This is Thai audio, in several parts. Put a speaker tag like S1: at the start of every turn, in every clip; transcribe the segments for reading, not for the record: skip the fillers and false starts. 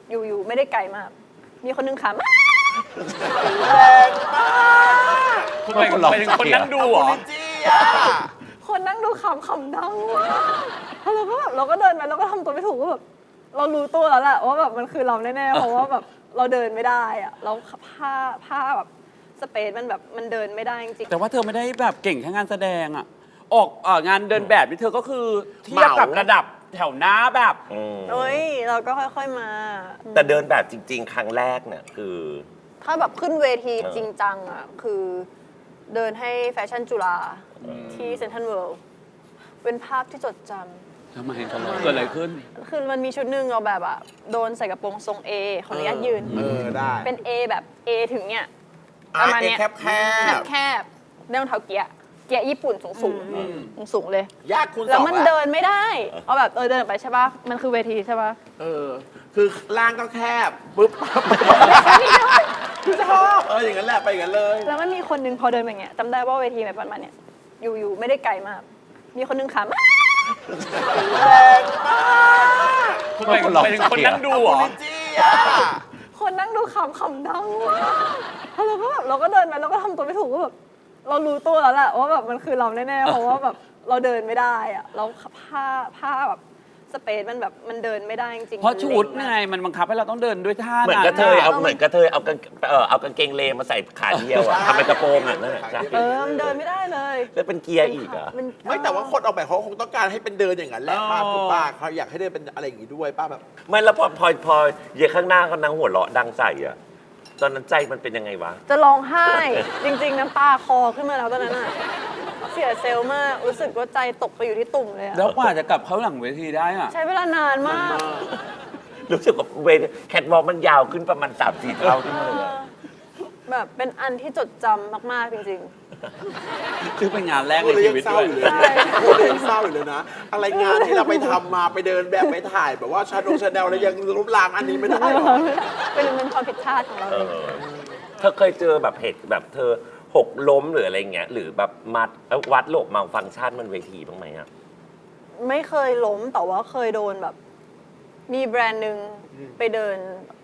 S1: อยู่ไม่ได้ไกลมากมีคนนึงขำ
S2: แรงมาก
S3: คุณไปถึงคนนั่งดูเหรอ
S2: จี้อ่ะ
S1: คนนั่งดูขำดังมากแล้วเราก็แบบเราก็เดินไปเราก็ทำตัวไม่ถูกก็แบบเรารู้ตัวแล้วแหละว่าแบบมันคือเราแน่ๆเพราะว่าแบบเราเดินไม่ได้อะแล้วผ้าแบบสเปซมันแบบมันเดินไม่ได้จริงๆ
S3: แต่ว่าเธอไม่ได้แบบเก่งแค่งานแสดงอะออกงานเดินแบบนี่เธอก็คือเทียบกับระดับแถวหน้าแบบ
S1: เอ้ยเราก็ค่อยๆมา
S2: แต่เดินแบบจริง ๆ ครั้งแรกเนี่ยคือ
S1: ถ้าแบบขึ้นเวทีจริงจังอ่ะคือเดินให้แฟชั่นจุฬาที่เซ็นทรัลเวิลด์เป็นภาพที่จดจำ
S3: ทำไมเกิดอะไรขึ้น
S1: คือมันมีชุดหนึ่งเราแบบอ่ะโดนใส่กระโปรงทรง A ขออนุญาตยืน
S2: ได้
S1: เป็น A แบบ A ถึงเนี่ยประมาณเนี้ย
S2: แคบ
S1: แคบได้รองเท้าเกียร์ญี่ปุ่นสูงเลย
S2: ยากคุณ
S1: แล้วมัน
S2: สอง
S1: เดินไม่ได้เอาแบบเดินออกไปใช่ป่ะมันคือเวทีใช่ป่ะ
S2: คือล่างก็แคบปุ๊บชอบอย่างนั้นแหละไปอย่างนั้นเลย
S1: แล้วมันมีคนนึงพอเดินไปอย่างเงี้ยจำได้ว่าเวทีแบบประมาณเนี้ยอยู่ไม่ได้ไกลมาก มีคนนึงขำ
S2: แรงมาก
S3: คุณไปถึงคนนั่งดูเหรอ
S2: จี้อ่ะ
S1: คนนั่งดูขำดังมากแล้วเราก็แบบเราก็เดินไปเราก็ทำตัวไม่ถูกก็แบบเรารู้ตัวแล้วแหละว่าแบบมันคือเราแน่ๆเพราะว่าแบบเราเดินไม่ได้อะแล้วผ้าแบบสเปซมันแบบมันเดินไม่ได้จริงๆ
S3: เพราะชุด
S1: มัน
S3: ไง
S1: เล็กมาก
S3: มันบังคับให้เราต้องเดินด้วยท่า
S2: เหมือนกระเทยเอากางเกงเลมาใส่ขาเดียวอะทำเป็นกระโปรงอะนั่นแหละ
S1: มันเดินไม่ได้เลย
S2: แล้วเป็นเกียร์อีกอะ
S1: มัน
S4: ไม่แต่ว่าคนออกแบบเขาคงต้องการให้เป็นเดินอย่างนั้นแหละป้าถูกป้าเขาอยากให้เดินเป็นอะไรอย่างนี้ด้วยป้าแบบ
S2: ไม่แล้วพอเยข้างหน้าเขานั่งหัวเราะดังใส่อะตอนนั้นใจมันเป็นยังไงวะ
S1: จะร้องไห้จริงๆน้ำตาคอขึ้นมาแล้วตอนนั้นอะเสียเซลล์มากรู้สึกว่าใจตกไปอยู่ที่ตุ่มเลยอะ
S3: แล้วกว่าจะกลับเข้าหลังเวทีได้อะ
S1: ใช้เวลานานมาก
S2: รู้สึกว่าเวทีแคทวอล์กมันยาวขึ้นประมาณ3-4 เท่าขึ้นมาเลยอะ
S1: แบบเป็นอันที่จดจำมากๆจริง
S3: ซึ่งเป็นงานแรก
S4: พู
S3: ใน
S4: ดเลย
S3: ชี
S4: ยัง
S3: วิต
S4: เศร้า
S3: ด้วย
S4: อยู่เลยพูดเลยยังเศร้าอยู่เลยนะ อะไรงานที่เราไปทำมาไปเดินแบบไปถ่ายแบบว่าชาแนลแล้วยังรูปร่างอันนี้ไม่ได้หรอ
S1: ๆ เป็นความผิดพลาดของเรา
S2: เอ
S1: เอง
S2: อเธอเคยเจอแบบเหตุแบบเธอหกล้มหรืออะไรเงี้ยหรือแบบวัดโลกมัลฟังก์ชันมันเวทีบ้างไหมอะ
S1: ไม่เคยล้มแต่ว่าเคยโดนแบบ มีแบรนด์หนึ่งไปเดิน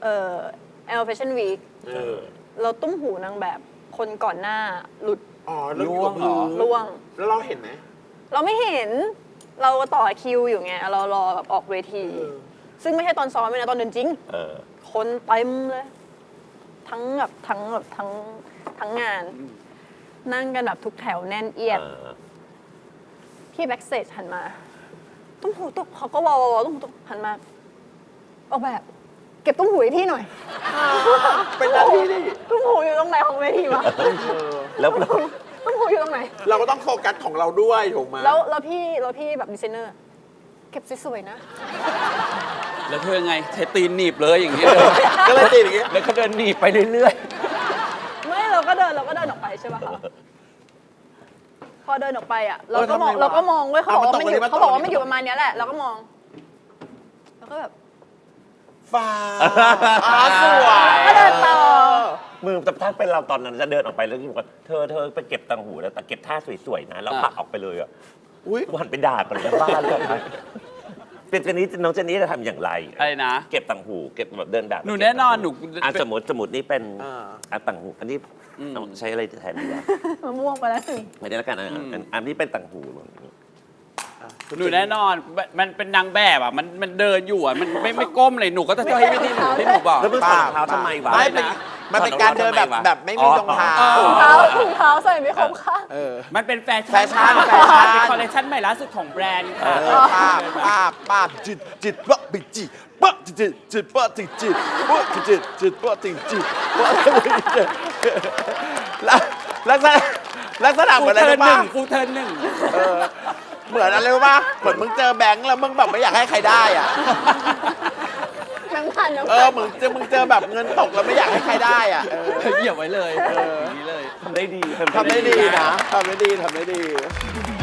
S1: L Fashion Week เราตุ้มหูนางแบบคนก่อนหน้าหลุด
S4: อ๋อแล้วอยู่กับพื้น
S1: ร่วง
S4: แล้วเราเห็นไหม
S1: เราไม่เห็นเราต่อคิวอยู่ไงเรารอแบบออกเวที ซึ่งไม่ใช่ตอนซ้อมเลยนะตอนเดินจริง คนเต็มเลย ทั้งงาน นั่งกันแบบทุกแถวแน่นเอียด พี่แบ็กสเตจหันมาตุ้มหูตกเขาก็วอวตุ้มหูตกหันมาออกแบบ เก็บตุ้มหูให้พี่หน่อย
S4: เป็นหน้าที่ดิ
S1: ตุ้มหูอยู่ตรงไหนของเวทีวะ
S2: แล้ว
S1: ตุ้มหูอยู่ตรงไหน
S4: เราก็ต้องโฟกัสของเราด้วยถูกไหม
S1: แล้วพี่แบบดีไซเนอร์ เก็บสวยๆนะ
S3: แล้วเธอไงใช้ตีนหนีบเลยอย่างเงี้ยเลย
S4: ก็เลยติดอย่างเงี้ย
S3: แล้วก็เดินหนีบไปเรื่อย
S1: ไม่เราก็เดินออกไปใช่ป่ะคะพอเดินออกไปอ่ะเราก็มองเว้ยเขาบอกว่ามันอยู่ประมาณเนี้ยแหละเราก็มองแล้วก็แบบ
S4: ฟ้าสวย
S1: ก็เดินต่อ
S2: มือแต่ถ้าเป็นเราตอนนั้นจะเดินออกไปแล้วบอกว่าเธอไปเก็บตังหูแล้วแต่เก็บท่าสวยๆนะแล้วผลักออกไปเลยอะ
S4: อุ้ย
S2: วันไปด่ากันเลยบ้านเลยเป็นน้องเจนนี่จะทำอย่างไร
S3: ๆอะไรนะ
S2: เก็บตังหูเก็บแบบเดินแบบ
S3: หนูแน่นอนหนู
S2: สมมตินี่เป็นตังหูอันนี้ต้องใช้อะไรแทนดีวะ
S1: มะม่วงไปแล้วถึง
S2: ไม่ได้แล้วกันอันนี้เป็นตังหู
S3: หนูแน่นอนมันเป็นนางแบบอ่ะมันเดินอยู่อ่ะมันไม่ก้มเลยหนูก็จะให้วิธีหนูที่หนูบอก
S2: แล้วมึงถอดรองเท้าทำไมวะ
S4: ไม่เป็นมันเป็นการเดินแบบไม่มีรองเท้า
S1: ถุงเท้าใส่ไม่ครบค่ะ
S3: มันเป็นแฟชั่น
S4: แฟชั่น
S3: เป็นคอลเลคชันใหม่ล่าสุดของแบรนด์ค่ะ
S4: ป้าจิตปะปิจิปะจิตปะจิตปะจิตปะจิตปะลักษณะเหมือนอะไรรู้ป่ะ
S3: ฟูเทิร์นหนึ่ง
S4: เหมือนอะไรรู้ป่ะเหมือนมึงเจอแบงค์แล้วมึงแบบไม่อยากให้ใครได้อ่ะ
S1: น้ำพัน
S4: มึงเจอแบบเงินตกแล้วไม่อยากให้ใครได้อ่ะ
S3: เหยียบไว้เลยอย่างนี้เลย
S2: ทำได้ดี
S4: ทำได้ดีนะทำได้ดี